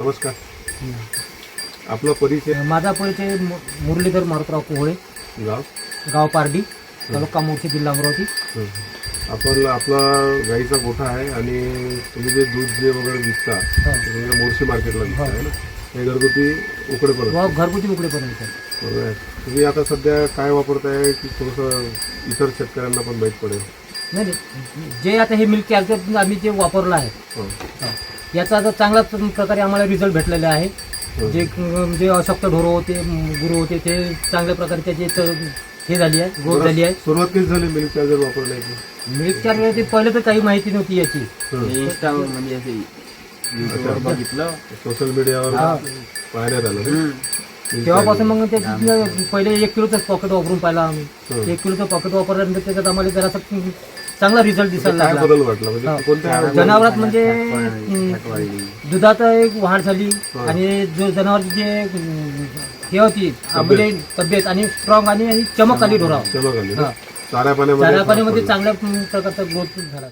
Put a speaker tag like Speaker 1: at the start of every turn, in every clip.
Speaker 1: नमस्कार. आपला परिचय?
Speaker 2: माझा परिचय मुरलीधर मारुतराव कोहळे, गाव पारडी, तालुका मोर्शी, जिल्हा अमरावती.
Speaker 1: आपण आपला गाईचा गोठा आहे आणि तुम्ही जे दूध जे वगैरे विकता मोर्शी मार्केटला विकता आहे ना, हे घरगुती उकडेपर्यंत?
Speaker 2: घरगुती उकडेपर्यंत.
Speaker 1: बरोबर आहे. तुम्ही आता सध्या काय वापरताय की थोडंसं इतर शेतकऱ्यांना पण माहीत पडेल?
Speaker 2: नाही, जे आता हे मिल्क कॅल्शियम आम्ही जे वापरलं आहे याचा आता चांगला प्रकारे आम्हाला रिझल्ट भेटलेला आहे. जे अशक्त ढोरं होते, गुरु होते, ते चांगल्या प्रकारे त्याची हे झाली आहे, ग्रोथ झाली आहे.
Speaker 1: सुरुवात कधी झाली मिल्क चार्जर वापरण्याची?
Speaker 2: मिल्क चार्जर पहिले तर काही माहिती नव्हती याची.
Speaker 3: म्हणजे बघितलं,
Speaker 1: सोशल मीडियावर पाहण्यात आलं.
Speaker 2: तेव्हापासून मग त्याची पहिले 1 किलोचं पॉकेट वापरून पाहिला आम्ही. 1 किलोचं पॉकेट वापरल्यानंतर त्याच्यात आम्हाला जरासा चांगला रिझल्ट दिसायला लागला.
Speaker 1: बदल वाटला म्हणजे कोणत्या
Speaker 2: जनावरात म्हणजे दुधात एक वाढ झाली आणि जो जनावरची जे हे होती म्हणजे तब्येत आणि स्ट्रॉंग आणि चमक आली ढोरावर.
Speaker 1: चमक आली. चाऱ्या पाण्यामध्ये
Speaker 2: चांगल्या प्रकारचा ग्रोथ झाला.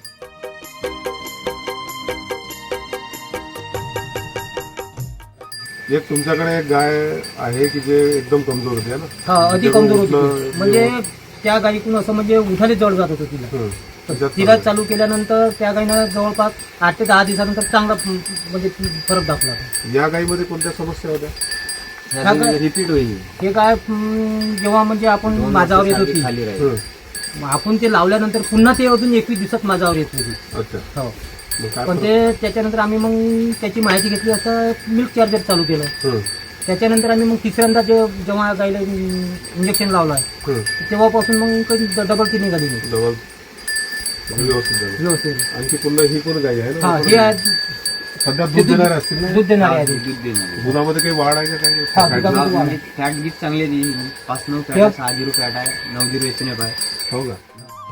Speaker 1: एक तुमच्याकडे एक गाय आहे की जे एकदम कमजोर होती ना?
Speaker 2: हा, अधिक कमजोर होती. म्हणजे त्या गायीकडून असं म्हणजे उठाले जड जात होतं तिला. तिला चालू केल्यानंतर त्या गायीनं जवळपास 8 ते 10 दिवसानंतर चांगला म्हणजे फरक दाखवला.
Speaker 1: या गायीमध्ये कोणत्या समस्या होत्या?
Speaker 3: रिपीट होईल.
Speaker 2: हे काय जेव्हा म्हणजे आपण माझ्यावर येत होती, आपण ते लावल्यानंतर पुन्हा ते अजून 21 दिवसात माझ्यावर येत होती.
Speaker 1: अच्छा.
Speaker 2: हो. पण ते त्याच्यानंतर आम्ही मग त्याची माहिती घेतली, असं मिल्क चार्जर चालू केलं. त्याच्यानंतर आम्ही मग तिसऱ्यांदा जेव्हा गायला इंजेक्शन लावलं आहे तेव्हापासून मग काही डबल ती निघाली नाही.
Speaker 1: व्यवस्थित. आणखी पुन्हा ही पण गाय आहे
Speaker 2: ना?
Speaker 1: हे सध्या दूध देणारे असतील ना?
Speaker 2: दूध देणारे आहे.
Speaker 1: दुधामध्ये काही वाढ आहे का? काही
Speaker 3: फॅट गीत चांगली आहे. 5-9 फॅट आहे, 6-0 फॅट आहे, 9-0 एचएनएफ आहे.
Speaker 1: हो का?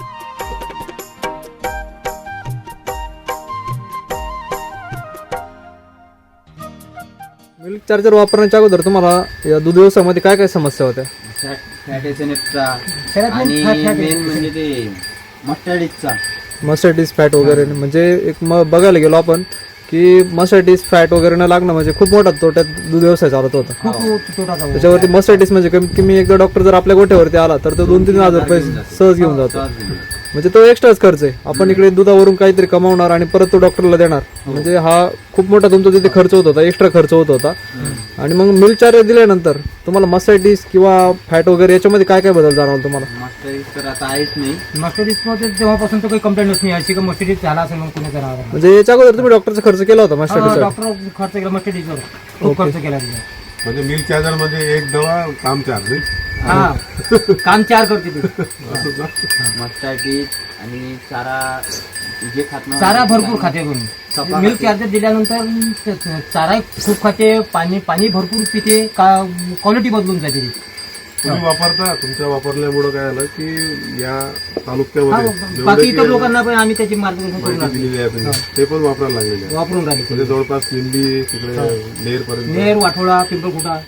Speaker 4: मिल्क चार्जर वापरण्याच्या अगोदर तुम्हाला या दूध व्यवसायामध्ये काय काय समस्या होत्या?
Speaker 3: फॅट एचएनएफचा आणि मेन म्हणजे ते मस्टर्डीजचा.
Speaker 4: मस्टर्डीज फॅट वगैरे म्हणजे एक बघायला गेलो आपण की मस्टर्डीज फॅट वगैरे न लागणं म्हणजे खूप मोठा तोट्यात दूध व्यवसाय चालत होता. त्याच्यावरती मस्टर्डीज म्हणजे कमीत कमी एकदा डॉक्टर जर आपल्या गोठ्यावरती आला तर तो 2-3 हजार रुपये सहज घेऊन जातो. म्हणजे तो एक्स्ट्राच खर्च आहे. आपण इकडे दुधावरून काहीतरी कमावणार आणि परत तो डॉक्टरला देणार, म्हणजे हा खूप मोठा तुमचा तिथे खर्च होत होता, एक्स्ट्रा खर्च होत होता. आणि मग मिल्क चार्जर दिल्यानंतर तुम्हाला मस्टर्डीज किंवा फॅट वगैरे याच्यामध्ये काय काय बदल जाणवला तुम्हाला?
Speaker 3: मस्टर्डीज तर आता आहेच नाही.
Speaker 2: मस्टर्डीजमध्ये जेव्हापासून तो काही कंप्लेंट नाही अशी का मस्टर्डीज झाला असेल मग कुणी जनावर.
Speaker 4: म्हणजे याच्या अगोदर तुम्ही डॉक्टरचा खर्च केला होता मस्टर्डीज?
Speaker 2: डॉक्टर खर्च केला मस्टर्डीजवर, खूप खर्च केला.
Speaker 1: म्हणजे मिल्क चार्जर म्हणजे एक दवा काम 4.
Speaker 2: हा, काम 4 करते ती.
Speaker 3: मस्टर्डीज आणि चारा जे खात नाही,
Speaker 2: चारा भरपूर खाते कोणी. मिल्क चार्जर दिल्यानंतर चारा खूप खाते, पाणी भरपूर पिते, क्वालिटी बदलून जाते ती.
Speaker 1: तुम्ही वापरता, तुमच्या वापरल्यामुळे काय झालं की या तालुक्यामध्ये
Speaker 2: बाकी इतर लोकांना पण आम्ही त्याची मार्गदर्शन करून
Speaker 1: माहिती दिलेली आहे तुम्ही, ते पण वापरायला लागलेले आहे.
Speaker 2: वापरून राहिले.
Speaker 1: म्हणजे जवळपास निंबी तिकडे नेर पर्यंत,
Speaker 2: नेर, वाठोळा, पिंपळखुटा.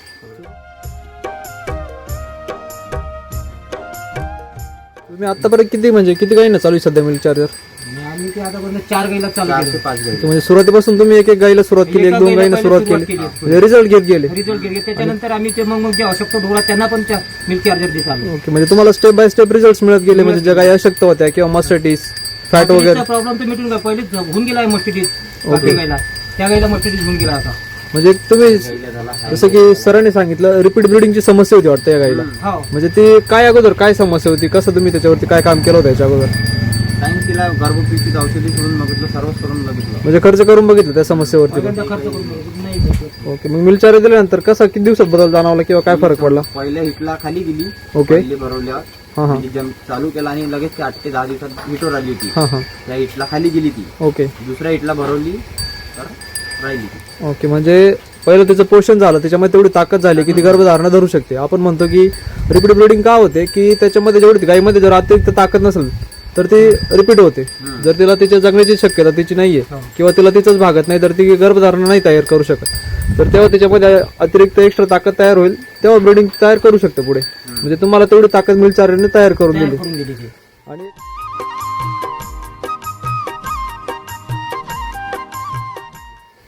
Speaker 4: तुम्ही आतापर्यंत किती गायींना चालू आहे सध्या मिल्क चार्जर?
Speaker 2: आम्ही ते आतापर्यंत 4 गाईला चालू
Speaker 3: 4 ते 5 गाई.
Speaker 4: म्हणजे सुरुवातीपासून तुम्ही एक गायीला सुरुवात केली, 1-2 गायींना सुरुवात केली, म्हणजे रिझल्ट घेत गेले.
Speaker 2: त्याच्यानंतर आम्ही ते मग जे अशक्त ढोरा त्यांना पण त्या मिल्क चार्जर देत आलो.
Speaker 4: ओके, म्हणजे तुम्हाला स्टेप बाय स्टेप रिझल्ट मिळत गेले. म्हणजे ज्या गायी अशक्त होत्या किंवा मस्टर्डीज फॅट वगैरे
Speaker 2: प्रॉब्लेम तर मिटून गेला. पहिलेच होऊन गेला मस्टर्डीज गायला, त्या गायला मस्टर्डीज होऊन गेला आता.
Speaker 4: म्हणजे तुम्ही जसं की सरांनी सांगितलं रिपीट ब्लिडिंगची समस्या होती वाटतं या गायीला. म्हणजे ती काय अगोदर काय समस्या होती, कसं तुम्ही त्याच्यावरती काय काम केलं होतं याच्या अगोदर?
Speaker 3: टाइम तिला गर्भपिशवीची औषधी करून बघितलं, सर्वच करून बघितलं.
Speaker 4: म्हणजे खर्च करून बघितलं त्या समस्येवरती? ओके, मग मिल्क चार्जर दिल्यानंतर कसं किती दिवसात बदल जाणवला किंवा काय फरक पडला?
Speaker 3: पहिल्या हिटला खाली गेली.
Speaker 4: ओके.
Speaker 3: भरवल्यावर चालू केला आणि लगेच 8 ते 10 दिवसात हिटवर आली होती. त्या हिटला खाली गेली ती.
Speaker 4: ओके.
Speaker 3: दुसऱ्या हिटला भरवली तर राहिली.
Speaker 4: ओके, म्हणजे पहिलं त्याचं पोषण झालं, त्याच्यामध्ये तेवढी ताकद झाली की ती गर्भधारणा धरू शकते. आपण म्हणतो की रिपीट ब्लिडिंग का होते की त्याच्यामध्ये जेवढी गायीमध्ये जर अतिरिक्त ताकद नसेल तर ती रिपीट होते. जर तिला तिच्या जगण्याची शक्यता तिची नाहीये किंवा तिला तिचंच भागत नाही तर ती गर्भधारणा नाही तयार करू शकत. तर तेव्हा त्याच्यामध्ये अतिरिक्त एक्स्ट्रा ताकद तयार होईल, तेव्हा ब्लिडिंग तयार करू शकते पुढे. म्हणजे तुम्हाला तेवढी ताकद मिल्क चार्जरने तयार करून दिली. आणि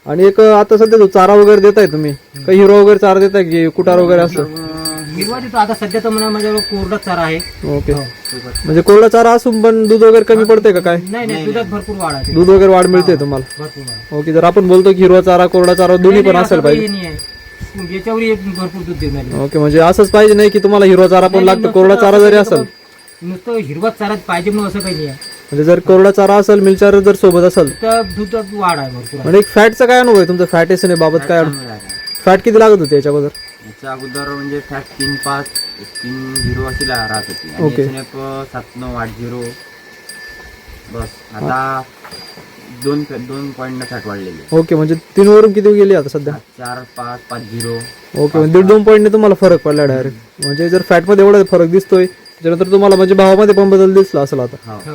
Speaker 4: आणि एक आता सध्या जो चारा वगैरे देताय तुम्ही काही हिरो वगैरे चारा देताय की कुटार वगैरे असतं?
Speaker 2: हिरवा देतो आता सध्या तर म्हणा माझ्यावर कोरडा चारा आहे.
Speaker 4: ओके, म्हणजे कोरडा चारा असून पण दूध वगैरे कमी पडते का काय?
Speaker 2: नाही दुधात भरपूर वाढ आहे.
Speaker 4: दूध वगैरे वाढ मिळते तुम्हाला?
Speaker 2: भरपूर वाढ.
Speaker 4: ओके, जर आपण बोलतो की हिरवा चारा कोरडा चारा दोन्ही पण असेल पाहिजे.
Speaker 2: नाही आहे. याच्यावर एक भरपूर दूध देणार.
Speaker 4: ओके, म्हणजे असंच पाहिजे नाही की तुम्हाला हिरवा चारा पण लागतो, कोरडा चारा जरी असेल
Speaker 2: नुसतं हिरवा चारा पाहिजे म्हणून असं काही नाही आहे.
Speaker 4: म्हणजे जर कोरडा चारा असेल मिल्क चार्जर जर सोबत असेल
Speaker 2: तर दुधात वाढ आहे भरपूर आहे.
Speaker 4: म्हणजे एक फॅटचा काय अनुभव आहे तुमचा? फॅट एसने बाबत काय फॅट किती लागत होते याच्या अगोदर?
Speaker 3: याच्या अगोदर म्हणजे फॅट 3.5 3.0 अशी राहत होती आणि
Speaker 4: ओके.
Speaker 3: याच्याने 7.9 8.0 बस आता 2 पॉईंट फॅट वाढलेली.
Speaker 4: ओके, म्हणजे 3 वरून किती गेली आता सध्या?
Speaker 3: 4.5 5.0.
Speaker 4: ओके, म्हणजे 1.5-2 पॉईंटने तुम्हाला फरक पडला डायरेक्ट. म्हणजे जर फॅटमध्ये एवढा फरक दिसतोय त्यानंतर तुम्हाला म्हणजे भावामध्ये पण बदल दिसला असेल आता.
Speaker 3: हो.
Speaker 2: हो.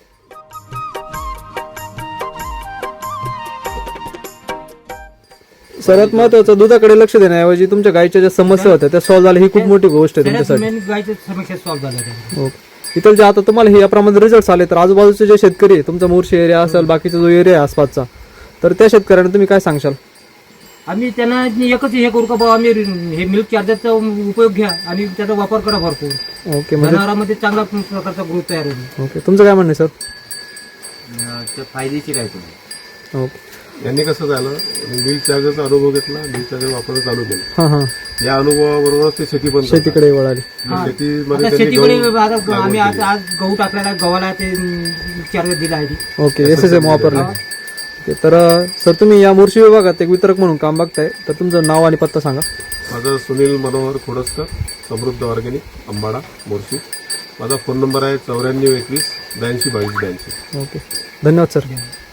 Speaker 4: सर्वात महत्वाचं दुधाकडे लक्ष देण्याऐवजी तुमच्या गायीच्या ज्या समस्या होत्या त्या सॉल्व्ह झाल्या, ही खूप मोठी गोष्ट आहे
Speaker 2: सगळ्यात
Speaker 4: तुमच्यासाठी.
Speaker 2: मेन गायच्या समस्या सॉल्व्ह झाल्या.
Speaker 4: ओके, इतर जे आता तुम्हाला हे याप्रमाणे रिझल्ट आले तर आजूबाजूचे जे शेतकरी आहे, तुमचा मोर्शी एरिया असेल बाकीचा जो एरिया आहे आसपासचा, तर त्या शेतकऱ्यांना तुम्ही काय सांगशाल?
Speaker 2: आम्ही त्यांना एकच हे करू का बाबा, आम्ही हे मिल्क चार्जरचा उपयोग घ्या आणि त्याचा वापर करा भरपूर.
Speaker 4: ओके, म्हणजे
Speaker 2: जनावरांमध्ये चांगला प्रकारचा ग्रोथ तयार होईल.
Speaker 4: ओके, तुमचं काय म्हणणं आहे सर?
Speaker 3: ते फायदेशीर आहे तुम्ही.
Speaker 4: ओके,
Speaker 1: यांनी कसं झालं, मिल्क चार्जरचा अनुभव घेतला, मिल्क चार्जर वापरणं चालू केलं.
Speaker 4: हां हां,
Speaker 1: या अनुभवाबरोबरच ते शेती पण करतात.
Speaker 4: शेतीकडे वळाली.
Speaker 2: हा.
Speaker 1: शेतीमध्ये
Speaker 2: आता
Speaker 1: त्यांनी
Speaker 2: शेतीकडे
Speaker 1: गहू
Speaker 2: आता आम्ही
Speaker 1: लागवड
Speaker 2: आज गहू टाकलेला आहे, गव्हाला ते चार्जर दिला आहे.
Speaker 4: ओके, SSM वापरले. ओके, तर सर तुम्ही या मोर्शी विभागात एक वितरक म्हणून काम बघताय, तर तुमचं नाव आणि पत्ता सांगा.
Speaker 1: माझं सुनील मनोहर खोडसकर, समृद्ध ऑर्गॅनिक, अंबाडा, मोर्शी. माझा फोन नंबर आहे 94 21 82 22 82.
Speaker 4: ओके, धन्यवाद सर.